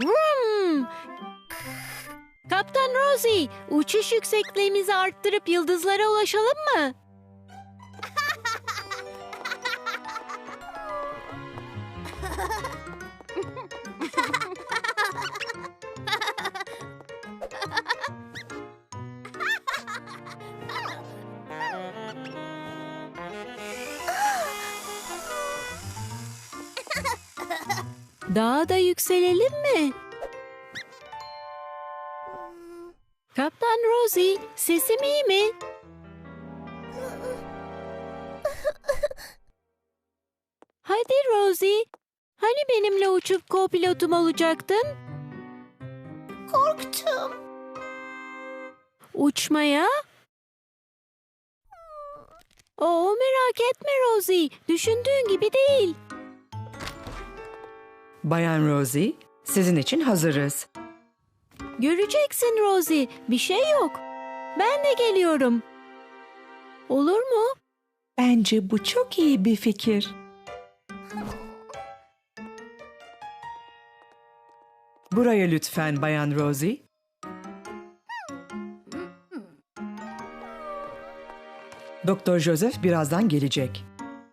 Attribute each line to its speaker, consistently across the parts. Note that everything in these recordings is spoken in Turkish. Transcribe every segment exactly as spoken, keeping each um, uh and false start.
Speaker 1: Vroom! Kaptan Rosie, uçuş yüksekliğimizi arttırıp yıldızlara ulaşalım mı? Daha da yükselelim mi? Kaptan Rosie, sesim iyi mi? Hadi Rosie, hani benimle uçup co-pilotum olacaktın?
Speaker 2: Korktum.
Speaker 1: Uçmaya? Oo, merak etme Rosie, düşündüğün gibi değil.
Speaker 3: Bayan Rosie, sizin için hazırız.
Speaker 1: Göreceksin Rosie, bir şey yok. Ben de geliyorum. Olur mu?
Speaker 3: Bence bu çok iyi bir fikir. Buraya lütfen Bayan Rosie. Doktor Joseph birazdan gelecek.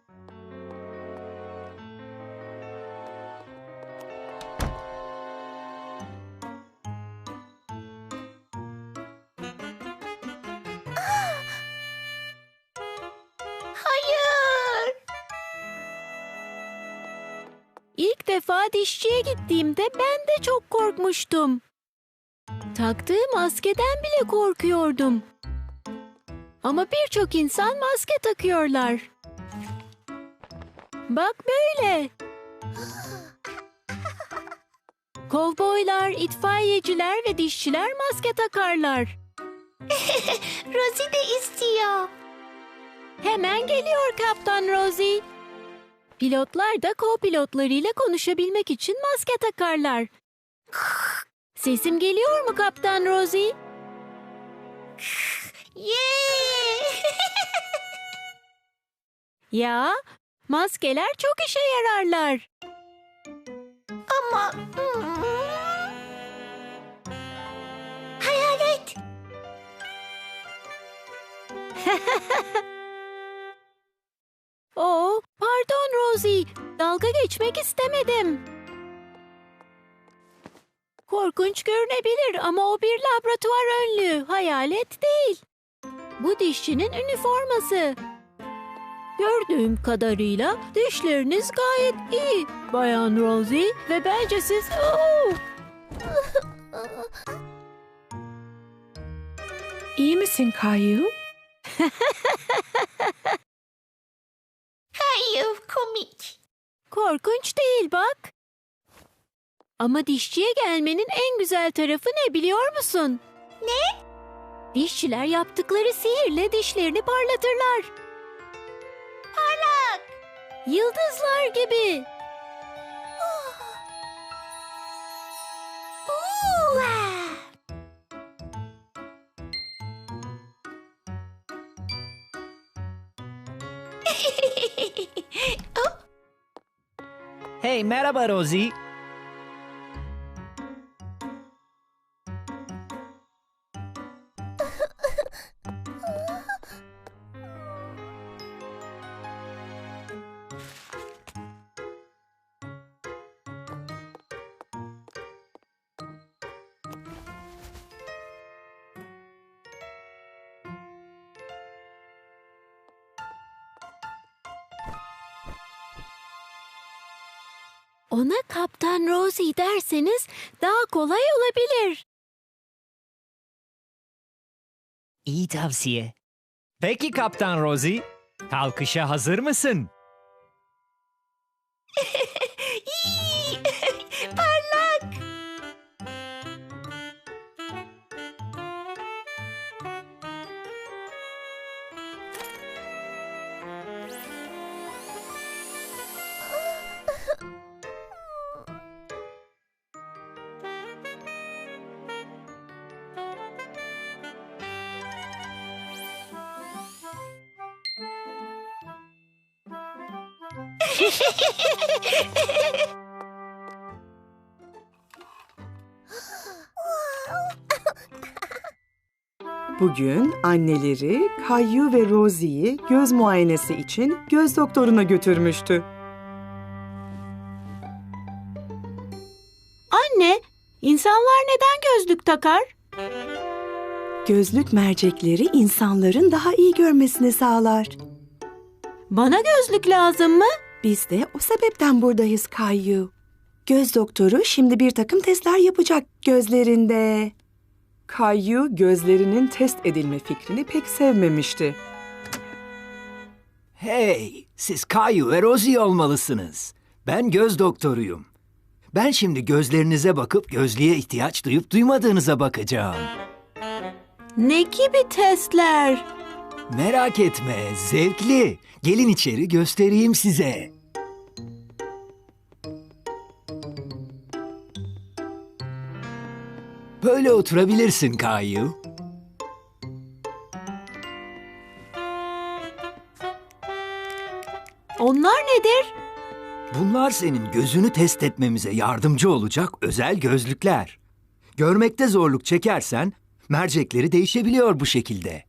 Speaker 2: Hayır.
Speaker 1: İlk defa dişçiye gittiğimde ben de çok korkmuştum. Taktığım maskeden bile korkuyordum. Ama birçok insan maske takıyorlar. Bak böyle. Kovboylar, itfaiyeciler ve dişçiler maske takarlar.
Speaker 2: Rosie de istiyor.
Speaker 1: Hemen geliyor Kaptan Rosie. Pilotlar da co-pilotlarıyla konuşabilmek için maske takarlar. Sesim geliyor mu Kaptan Rosie?
Speaker 2: Yeah!
Speaker 1: Ya, maskeler çok işe yararlar.
Speaker 2: Ama... Hmm. Hayalet.
Speaker 1: Oo, pardon Rosie, dalga geçmek istemedim. Korkunç görünebilir ama o bir laboratuvar önlüğü, hayalet değil. Bu dişçinin üniforması. Gördüğüm kadarıyla dişleriniz gayet iyi, Bayan Rosie, ve bence siz... Oo!
Speaker 3: İyi misin Kayu?
Speaker 2: Hayır, komik.
Speaker 1: Korkunç değil bak. Ama dişçiye gelmenin en güzel tarafı ne biliyor musun?
Speaker 2: Ne?
Speaker 1: Dişçiler yaptıkları sihirle dişlerini parlatırlar.
Speaker 2: Parlak.
Speaker 1: Yıldızlar gibi.
Speaker 2: Oo. Oh,
Speaker 4: Hey, merhaba Rosie.
Speaker 1: Ona Kaptan Rosie derseniz daha kolay olabilir.
Speaker 4: İyi tavsiye. Peki Kaptan Rosie, kalkışa hazır mısın?
Speaker 2: iyi. Parlak.
Speaker 3: Bugün anneleri Caillou ve Rosie'yi göz muayenesi için göz doktoruna götürmüştü.
Speaker 1: Anne, insanlar neden gözlük takar?
Speaker 3: Gözlük mercekleri insanların daha iyi görmesini sağlar.
Speaker 1: Bana gözlük lazım mı?
Speaker 3: Biz de o sebepten buradayız Caillou. Göz doktoru şimdi bir takım testler yapacak gözlerinde. Caillou gözlerinin test edilme fikrini pek sevmemişti.
Speaker 5: Hey, siz Caillou ve Rosie olmalısınız. Ben göz doktoruyum. Ben şimdi gözlerinize bakıp gözlüğe ihtiyaç duyup duymadığınıza bakacağım.
Speaker 1: Ne gibi testler?
Speaker 5: Merak etme, zevkli. Gelin içeri göstereyim size. Böyle oturabilirsin Caillou.
Speaker 1: Onlar nedir?
Speaker 5: Bunlar senin gözünü test etmemize yardımcı olacak özel gözlükler. Görmekte zorluk çekersen mercekleri değişebiliyor bu şekilde.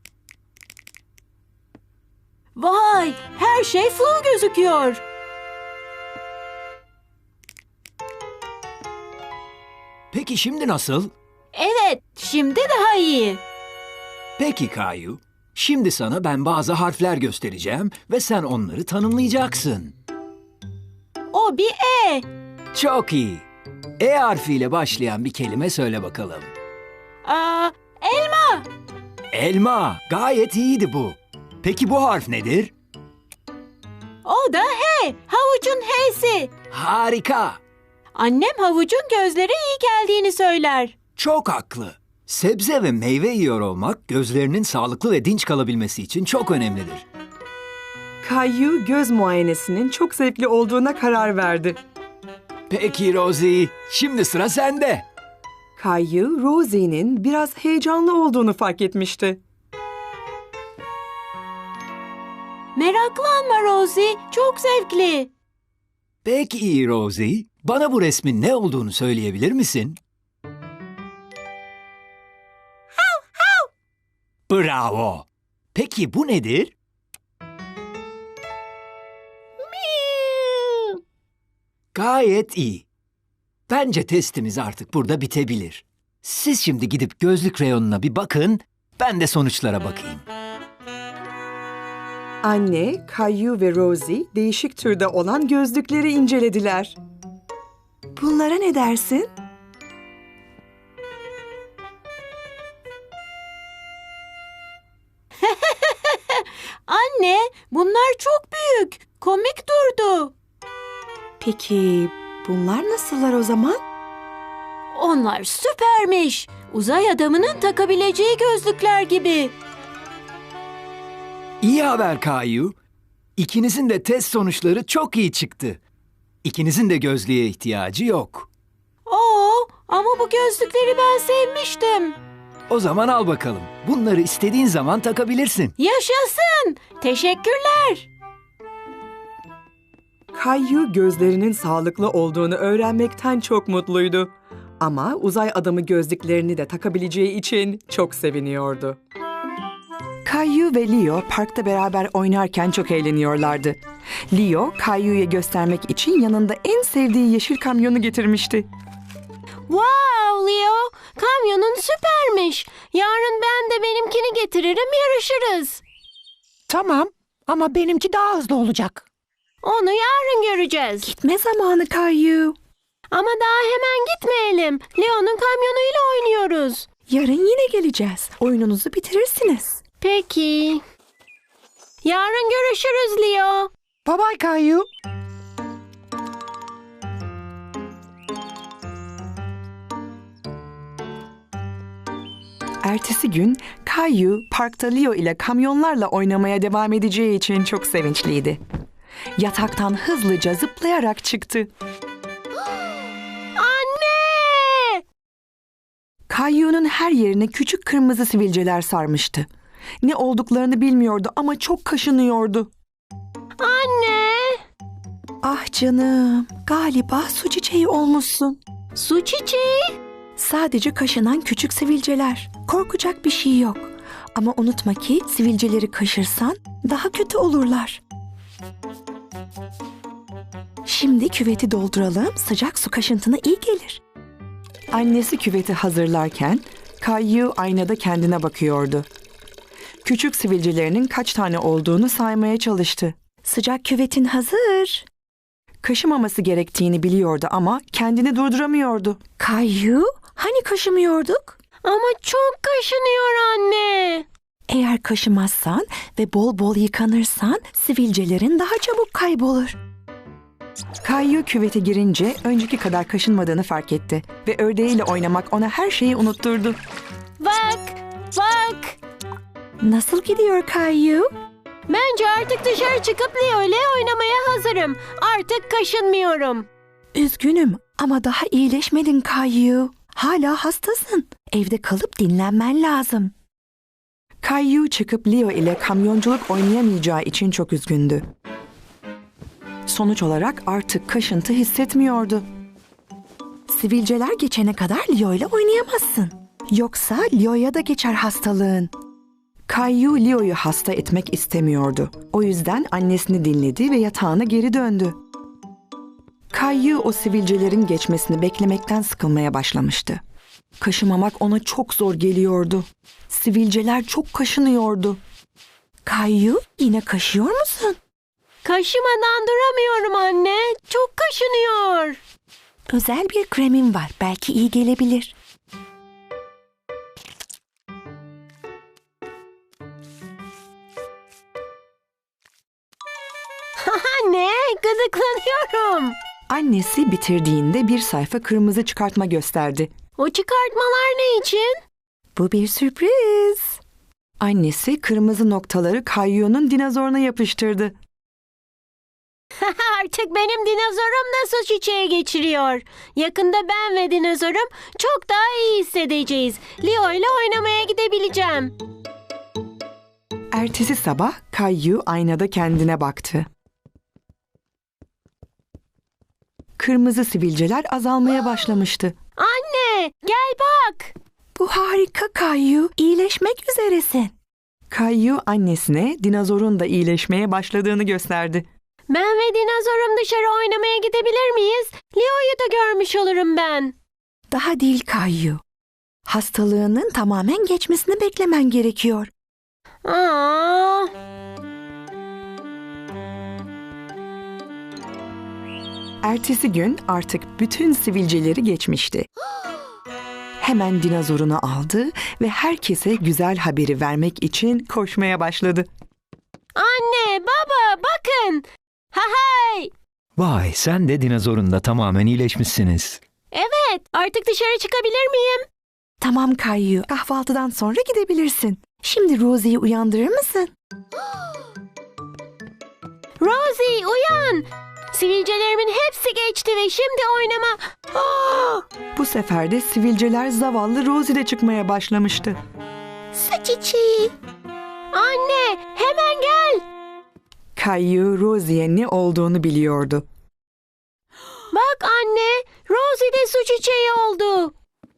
Speaker 1: Vay, her şey flu gözüküyor.
Speaker 5: Peki şimdi nasıl?
Speaker 1: Evet, şimdi daha iyi.
Speaker 5: Peki Caillou. Şimdi sana ben bazı harfler göstereceğim ve sen onları tanımlayacaksın.
Speaker 1: O bir E.
Speaker 5: Çok iyi. E harfiyle başlayan bir kelime söyle bakalım.
Speaker 1: Aa, elma.
Speaker 5: Elma. Gayet iyiydi bu. Peki bu harf nedir?
Speaker 1: O da H. Havucun H'si.
Speaker 5: Harika.
Speaker 1: Annem havucun gözlere iyi geldiğini söyler.
Speaker 5: Çok haklı. Sebze ve meyve yiyor olmak gözlerinin sağlıklı ve dinç kalabilmesi için çok önemlidir.
Speaker 3: Caillou göz muayenesinin çok zevkli olduğuna karar verdi.
Speaker 5: Peki Rosie, şimdi sıra sende.
Speaker 3: Caillou, Rosie'nin biraz heyecanlı olduğunu fark etmişti.
Speaker 1: Meraklanma Rosie, çok zevkli.
Speaker 5: Peki Rosie, bana bu resmin ne olduğunu söyleyebilir misin? Bravo. Peki bu nedir? Gayet iyi. Bence testimiz artık burada bitebilir. Siz şimdi gidip gözlük reyonuna bir bakın, ben de sonuçlara bakayım.
Speaker 3: Anne, Caillou ve Rosie değişik türde olan gözlükleri incelediler. Bunlara ne dersin?
Speaker 1: Anne, bunlar çok büyük. Komik durdu.
Speaker 3: Peki bunlar nasıllar o zaman?
Speaker 1: Onlar süpermiş. Uzay adamının takabileceği gözlükler gibi.
Speaker 5: İyi haber Caillou. İkinizin de test sonuçları çok iyi çıktı. İkinizin de gözlüğe ihtiyacı yok.
Speaker 1: Oo, ama bu gözlükleri ben sevmiştim.
Speaker 5: O zaman al bakalım. Bunları istediğin zaman takabilirsin.
Speaker 1: Yaşasın. Teşekkürler.
Speaker 3: Caillou gözlerinin sağlıklı olduğunu öğrenmekten çok mutluydu. Ama uzay adamı gözlüklerini de takabileceği için çok seviniyordu. Caillou ve Leo parkta beraber oynarken çok eğleniyorlardı. Leo, Caillou'ya göstermek için yanında en sevdiği yeşil kamyonu getirmişti.
Speaker 1: Wow Leo, kamyonun süpermiş. Yarın ben de benimkini getiririm, yarışırız.
Speaker 6: Tamam ama benimki daha hızlı olacak.
Speaker 1: Onu yarın göreceğiz.
Speaker 3: Gitme zamanı Caillou.
Speaker 1: Ama daha hemen gitmeyelim. Leo'nun kamyonuyla oynuyoruz.
Speaker 3: Yarın yine geleceğiz. Oyununuzu bitirirsiniz.
Speaker 1: Peki. Yarın görüşürüz Leo.
Speaker 6: Bye bye Caillou.
Speaker 3: Ertesi gün Caillou parkta Leo ile kamyonlarla oynamaya devam edeceği için çok sevinçliydi. Yataktan hızlıca zıplayarak çıktı.
Speaker 1: Anne!
Speaker 3: Caillou'nun her yerine küçük kırmızı sivilceler sarmıştı. Ne olduklarını bilmiyordu ama çok kaşınıyordu.
Speaker 1: Anne!
Speaker 3: Ah canım, galiba su çiçeği olmuşsun.
Speaker 1: Su çiçeği?
Speaker 3: Sadece kaşınan küçük sivilceler. Korkacak bir şey yok.
Speaker 7: Ama unutma ki sivilceleri kaşırsan daha kötü olurlar. Şimdi küveti dolduralım, sıcak su kaşıntına iyi gelir.
Speaker 3: Annesi küveti hazırlarken Kayu aynada kendine bakıyordu. Küçük sivilcelerinin kaç tane olduğunu saymaya çalıştı.
Speaker 7: Sıcak küvetin hazır.
Speaker 3: Kaşımaması gerektiğini biliyordu ama kendini durduramıyordu.
Speaker 7: Kayu, hani kaşımıyorduk?
Speaker 1: Ama çok kaşınıyor anne.
Speaker 7: Eğer kaşımazsan ve bol bol yıkanırsan sivilcelerin daha çabuk kaybolur.
Speaker 3: Kayu küvete girince önceki kadar kaşınmadığını fark etti ve ördeğiyle oynamak ona her şeyi unutturdu.
Speaker 1: Bak, bak.
Speaker 7: Nasıl gidiyor Kayu?
Speaker 1: Bence artık dışarı çıkıp Leo ile oynamaya hazırım. Artık kaşınmıyorum.
Speaker 7: Üzgünüm ama daha iyileşmedin Kayu. Hala hastasın. Evde kalıp dinlenmen lazım.
Speaker 3: Kayu çıkıp Leo ile kamyonculuk oynayamayacağı için çok üzgündü. Sonuç olarak artık kaşıntı hissetmiyordu.
Speaker 7: Sivilceler geçene kadar Leo ile oynayamazsın. Yoksa Leo'ya da geçer hastalığın.
Speaker 3: Kayu Leo'yu hasta etmek istemiyordu. O yüzden annesini dinledi ve yatağına geri döndü. Kayu o sivilcelerin geçmesini beklemekten sıkılmaya başlamıştı. Kaşımamak ona çok zor geliyordu. Sivilceler çok kaşınıyordu.
Speaker 7: Kayu, yine kaşıyor musun?
Speaker 1: Kaşımadan duramıyorum anne. Çok kaşınıyor.
Speaker 7: Özel bir kremim var. Belki iyi gelebilir.
Speaker 1: Anne, gıdıklanıyorum.
Speaker 3: Annesi bitirdiğinde bir sayfa kırmızı çıkartma gösterdi.
Speaker 1: O çıkartmalar ne için?
Speaker 7: Bu bir sürpriz.
Speaker 3: Annesi kırmızı noktaları Kayu'nun dinozoruna yapıştırdı.
Speaker 1: Artık benim dinozorum da su çiçeği geçiriyor. Yakında ben ve dinozorum çok daha iyi hissedeceğiz. Leo ile oynamaya gidebileceğim.
Speaker 3: Ertesi sabah Kayu aynada kendine baktı. Kırmızı sivilceler azalmaya başlamıştı.
Speaker 1: Anne, gel bak.
Speaker 7: Bu harika Kayu. İyileşmek üzeresin.
Speaker 3: Kayu annesine dinozorun da iyileşmeye başladığını gösterdi.
Speaker 1: Ben ve dinozorum dışarı oynamaya gidebilir miyiz? Leo'yu da görmüş olurum ben.
Speaker 7: Daha değil Kayu. Hastalığının tamamen geçmesini beklemen gerekiyor.
Speaker 1: Aa.
Speaker 3: Ertesi gün artık bütün sivilceleri geçmişti. Hemen dinozorunu aldı ve herkese güzel haberi vermek için koşmaya başladı.
Speaker 1: Anne, baba, bakın. Ha hay.
Speaker 5: Vay, sen de dinozorunda tamamen iyileşmişsiniz.
Speaker 1: Evet, artık dışarı çıkabilir miyim?
Speaker 7: Tamam Kayu. Kahvaltıdan sonra gidebilirsin. Şimdi Rosie'yi uyandırır mısın?
Speaker 1: Rosie, uyan. Sivilcelerimin hepsi geçti ve şimdi oynama... Aa!
Speaker 3: Bu sefer de sivilceler zavallı Rosie'de çıkmaya başlamıştı.
Speaker 7: Su çiçeği.
Speaker 1: Anne, hemen gel.
Speaker 3: Kayu Rosie'ye ne olduğunu biliyordu.
Speaker 1: Bak anne, Rosie de su çiçeği oldu.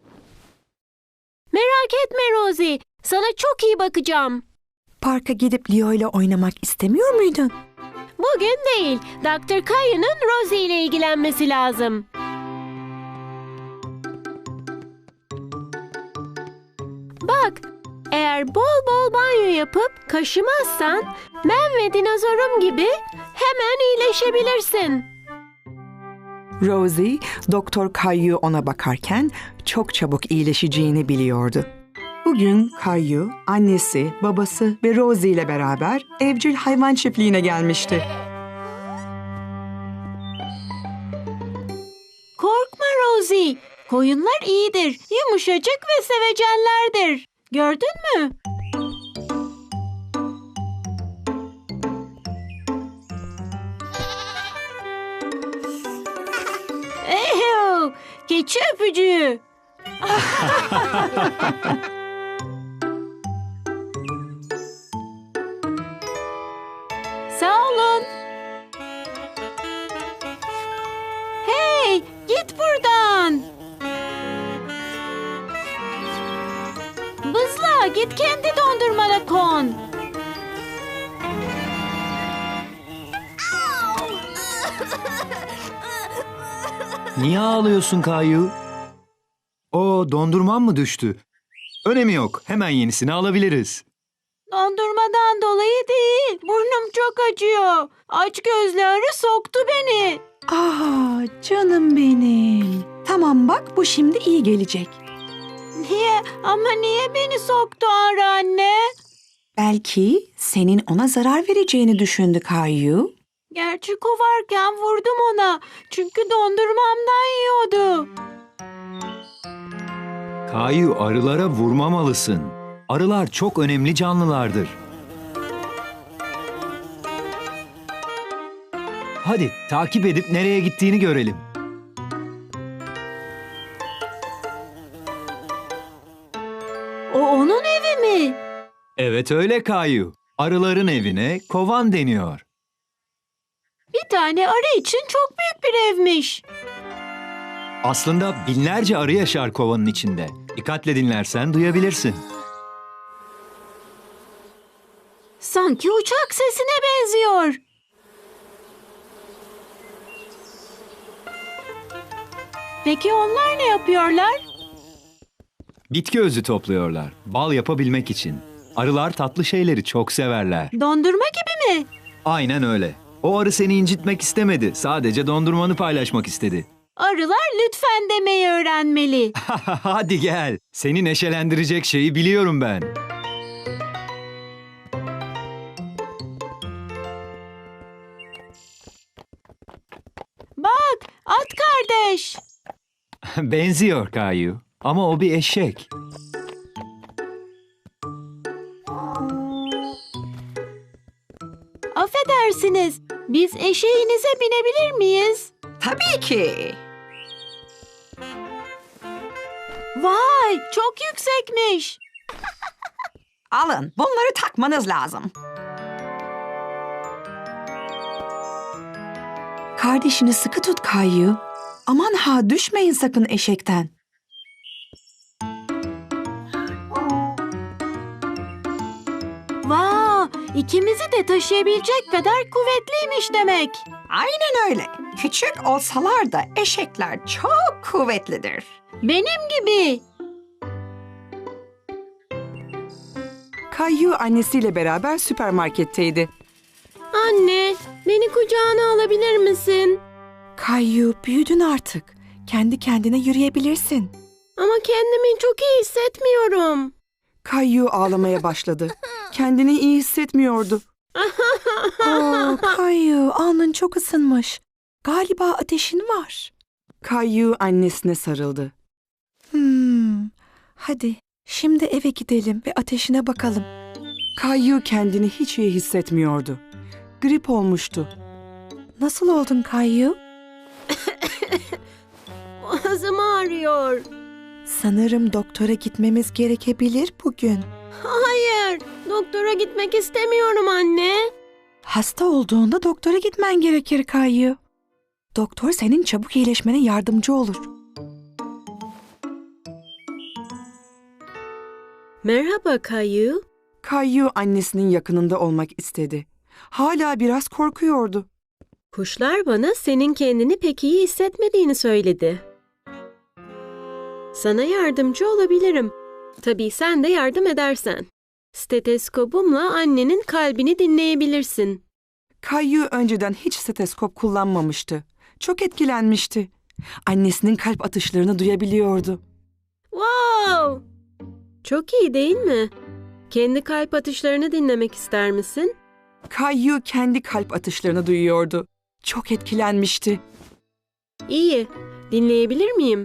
Speaker 1: Merak etme Rosie, sana çok iyi bakacağım.
Speaker 7: Parka gidip Leo ile oynamak istemiyor muydun?
Speaker 1: Bugün değil, doktor Kayu'nun Rosie ile ilgilenmesi lazım. Bak, eğer bol bol banyo yapıp kaşımazsan ben ve dinozorum gibi hemen iyileşebilirsin.
Speaker 3: Rosie, Doktor Kayu ona bakarken çok çabuk iyileşeceğini biliyordu. Bugün Kayu, annesi, babası ve Rosie ile beraber evcil hayvan çiftliğine gelmişti.
Speaker 1: Korkma Rosie, koyunlar iyidir, yumuşacık ve sevecenlerdir. Gördün mü? Eyo, keçi öpücüğü. Sağ olun. Hey, git buradan. Bızla, git kendi dondurmanı dondurmana kon.
Speaker 5: Niye ağlıyorsun Kayu? O dondurman mı düştü? Önemi yok. Hemen yenisini alabiliriz.
Speaker 1: Dondurmadan dolayı değil. Burnum çok acıyor. Aç gözlü arı soktu beni.
Speaker 7: Ah canım benim. Tamam bak bu şimdi iyi gelecek.
Speaker 1: Niye? Ama niye beni soktu arı anne?
Speaker 7: Belki senin ona zarar vereceğini düşündü Kayu.
Speaker 1: Gerçi kovarken vurdum ona. Çünkü dondurmamdan yiyordu.
Speaker 5: Kayu, arılara vurmamalısın. Arılar çok önemli canlılardır. Hadi takip edip nereye gittiğini görelim.
Speaker 1: O onun evi mi?
Speaker 5: Evet öyle Kayu. Arıların evine kovan deniyor.
Speaker 1: Bir tane arı için çok büyük bir evmiş.
Speaker 5: Aslında binlerce arı yaşar kovanın içinde. Dikkatle dinlersen duyabilirsin.
Speaker 1: Sanki uçak sesine benziyor. Peki onlar ne yapıyorlar?
Speaker 5: Bitki özü topluyorlar. Bal yapabilmek için. Arılar tatlı şeyleri çok severler.
Speaker 1: Dondurma gibi mi?
Speaker 5: Aynen öyle. O arı seni incitmek istemedi. Sadece dondurmanı paylaşmak istedi.
Speaker 1: Arılar lütfen demeyi öğrenmeli.
Speaker 5: Hadi gel. Seni neşelendirecek şeyi biliyorum ben.
Speaker 1: Bak, at kardeş.
Speaker 5: Benziyor Kayu. Ama o bir eşek.
Speaker 1: Affedersiniz, biz eşeğinize binebilir miyiz?
Speaker 7: Tabii ki.
Speaker 1: Vay, çok yüksekmiş.
Speaker 7: Alın bunları takmanız lazım. Kardeşini sıkı tut Kayu. Aman ha düşmeyin sakın eşekten.
Speaker 1: Vay, ikimizi de taşıyabilecek kadar kuvvetliymiş demek.
Speaker 7: Aynen öyle. Küçük olsalar da eşekler çok kuvvetlidir.
Speaker 1: Benim gibi.
Speaker 3: Kayu annesiyle beraber süpermarketteydi.
Speaker 1: Anne, beni kucağına alabilir misin?
Speaker 7: Kayu büyüdün artık. Kendi kendine yürüyebilirsin.
Speaker 1: Ama kendimi çok iyi hissetmiyorum.
Speaker 3: Kayu ağlamaya başladı. Kendini iyi hissetmiyordu.
Speaker 7: Oo, Kayu alnın çok ısınmış. Galiba ateşin var.
Speaker 3: Kayu annesine sarıldı.
Speaker 7: Hmm, hadi şimdi eve gidelim ve ateşine bakalım.
Speaker 3: Kayu kendini hiç iyi hissetmiyordu. Grip olmuştu.
Speaker 7: Nasıl oldun Kayu?
Speaker 1: Boğazım ağrıyor.
Speaker 7: Sanırım doktora gitmemiz gerekebilir bugün.
Speaker 1: Hayır, doktora gitmek istemiyorum anne.
Speaker 7: Hasta olduğunda doktora gitmen gerekir Kayu. Doktor senin çabuk iyileşmene yardımcı olur.
Speaker 1: Merhaba Kayu.
Speaker 3: Kayu annesinin yakınında olmak istedi. Hala biraz korkuyordu.
Speaker 1: Kuşlar bana senin kendini pek iyi hissetmediğini söyledi. Sana yardımcı olabilirim. Tabii sen de yardım edersen. Steteskopumla annenin kalbini dinleyebilirsin.
Speaker 3: Kayu önceden hiç steteskop kullanmamıştı. Çok etkilenmişti. Annesinin kalp atışlarını duyabiliyordu.
Speaker 1: Wow! Çok iyi değil mi? Kendi kalp atışlarını dinlemek ister misin?
Speaker 3: Kayu kendi kalp atışlarını duyuyordu. Çok etkilenmişti.
Speaker 1: İyi. Dinleyebilir miyim?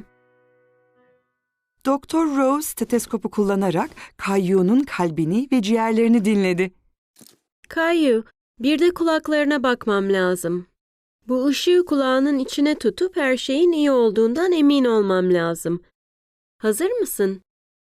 Speaker 3: Doktor Rose steteskopu kullanarak Kayu'nun kalbini ve ciğerlerini dinledi.
Speaker 1: Kayu, bir de kulaklarına bakmam lazım. Bu ışığı kulağının içine tutup her şeyin iyi olduğundan emin olmam lazım. Hazır mısın?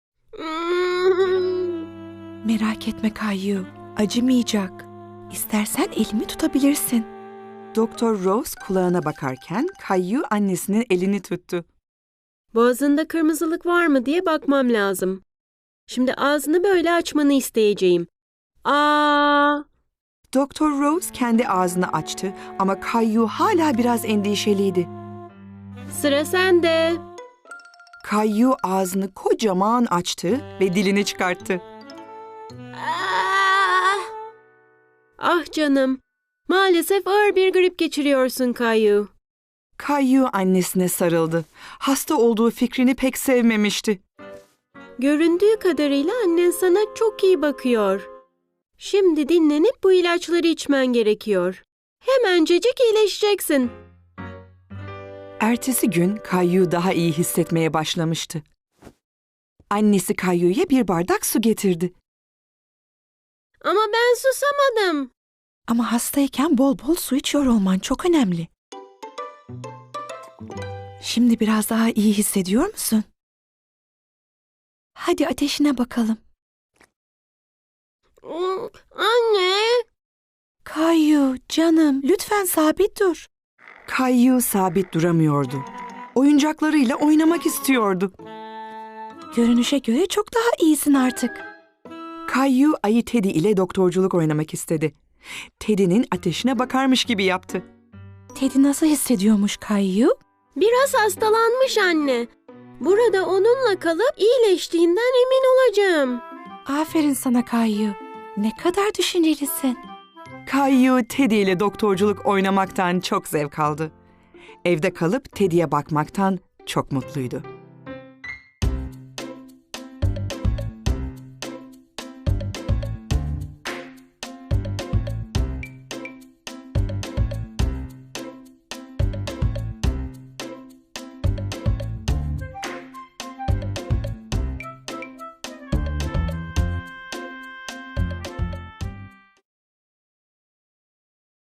Speaker 7: Merak etme Kayu, acımayacak. İstersen elimi tutabilirsin.
Speaker 3: Doktor Rose kulağına bakarken Kayu annesinin elini tuttu.
Speaker 1: Boğazında kırmızılık var mı diye bakmam lazım.
Speaker 8: Şimdi ağzını böyle açmanı isteyeceğim. Aa!
Speaker 3: Doktor Rose kendi ağzını açtı ama Kayu hala biraz endişeliydi.
Speaker 8: Sıra sende.
Speaker 3: Kayu ağzını kocaman açtı ve dilini çıkarttı.
Speaker 2: Ah!
Speaker 8: Ah canım. Maalesef ağır bir grip geçiriyorsun Kayu.
Speaker 3: Kayu annesine sarıldı. Hasta olduğu fikrini pek sevmemişti.
Speaker 8: Göründüğü kadarıyla annen sana çok iyi bakıyor. Şimdi dinlenip bu ilaçları içmen gerekiyor. Hemencecik iyileşeceksin.
Speaker 3: Ertesi gün Kayu daha iyi hissetmeye başlamıştı. Annesi Kayu'ya bir bardak su getirdi.
Speaker 8: Ama ben susamadım.
Speaker 7: Ama hastayken bol bol su içiyor olman çok önemli. Şimdi biraz daha iyi hissediyor musun? Hadi ateşine bakalım.
Speaker 8: Hmm, Anne.
Speaker 7: Kayu, canım, lütfen sabit dur.
Speaker 3: Kayu sabit duramıyordu. Oyuncaklarıyla oynamak istiyordu.
Speaker 7: Görünüşe göre çok daha iyisin artık.
Speaker 3: Kayu ayı Teddy ile doktorculuk oynamak istedi. Teddy'nin ateşine bakarmış gibi yaptı.
Speaker 7: Teddy nasıl hissediyormuş Kayu?
Speaker 8: Biraz hastalanmış anne. Burada onunla kalıp iyileştiğinden emin olacağım.
Speaker 7: Aferin sana Kayu. Ne kadar düşüncelisin.
Speaker 3: Kayu Teddy ile doktorculuk oynamaktan çok zevk aldı. Evde kalıp Teddy'ye bakmaktan çok mutluydu.